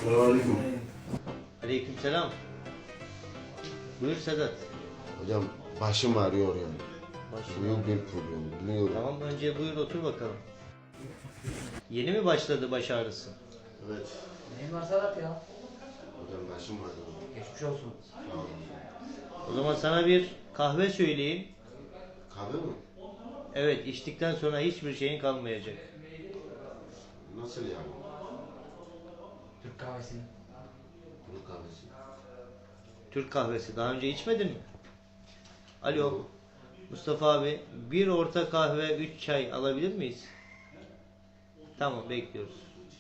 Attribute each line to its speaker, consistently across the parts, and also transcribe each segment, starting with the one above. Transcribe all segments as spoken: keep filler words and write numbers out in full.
Speaker 1: Selamünaleyküm.
Speaker 2: Aleykümselam. Buyur Sedat.
Speaker 1: Hocam başım ağrıyor yani.
Speaker 2: Başım
Speaker 1: Büyük bir problem biliyorum.
Speaker 2: Tamam, önce buyur otur bakalım. Yeni mi başladı baş ağrısı?
Speaker 1: Evet.
Speaker 3: Neyin var Sedat ya?
Speaker 1: Hocam başım ağrıyor.
Speaker 3: Geçmiş olsun.
Speaker 1: Sağ olun.
Speaker 2: O zaman sana bir kahve söyleyeyim.
Speaker 1: Kahve mi?
Speaker 2: Evet, içtikten sonra hiçbir şeyin kalmayacak.
Speaker 1: Nasıl yani?
Speaker 3: Türk kahvesi.
Speaker 1: Türk kahvesi.
Speaker 2: Türk kahvesi. Daha önce içmedin mi? Alo.
Speaker 1: Yok.
Speaker 2: Mustafa abi, bir orta kahve, üç çay alabilir miyiz? Tamam, bekliyoruz.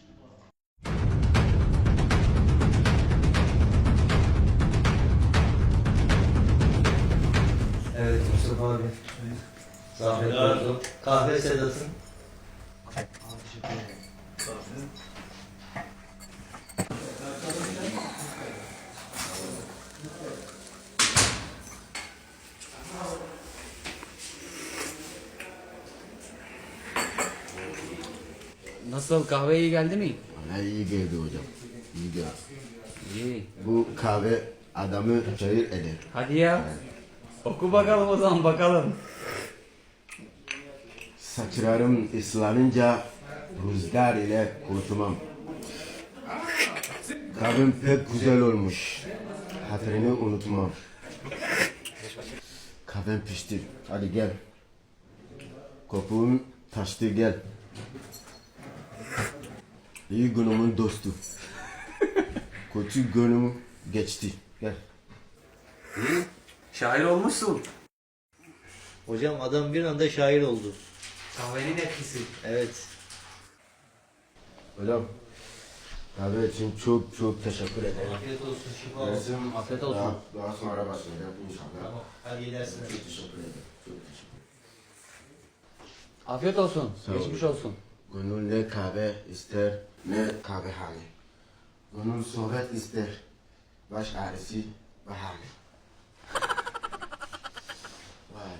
Speaker 2: Evet Mustafa abi. Zahmet oldu. Kahve Sedat'ın.
Speaker 3: Nasıl, kahve iyi geldi mi?
Speaker 1: Bana iyi geldi hocam. İyi geldi.
Speaker 3: İyi.
Speaker 1: Bu kahve adamı çayır eder.
Speaker 3: Hadi ya. Oku bakalım o zaman, bakalım.
Speaker 1: Saçlarım ıslanınca rüzgar ile kurtulmam. Kahvem pek güzel olmuş. Hatırını unutmam. Kahvem pişti. Hadi gel. Kopuğum taştı gel. İyi günümün dostu. Kötü günüm geçti. Gel.
Speaker 3: İyi. Şair olmuşsun.
Speaker 2: Hocam adam bir anda şair oldu.
Speaker 3: Kahvenin etkisi.
Speaker 2: Evet.
Speaker 1: Hocam. Kahve için çok çok teşekkür ederim.
Speaker 2: Afiyet olsun, şifa olsun.
Speaker 1: Dersim
Speaker 3: Afiyet olsun.
Speaker 1: Daha, daha sonra başlayacak inşallah.
Speaker 2: Tamam, hadi gidersin.
Speaker 1: Çok teşekkür ederim. Çok teşekkür ederim.
Speaker 3: Afiyet olsun.
Speaker 1: Sağ olun.
Speaker 3: Geçmiş olsun.
Speaker 1: Gönül ne kahve ister ne kahvehane. Gönül sohbet ister. Baş ağrısı bahane. Vay.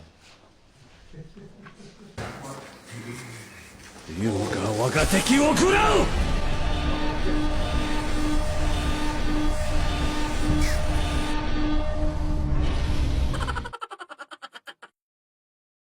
Speaker 4: 優雅我が敵を食らう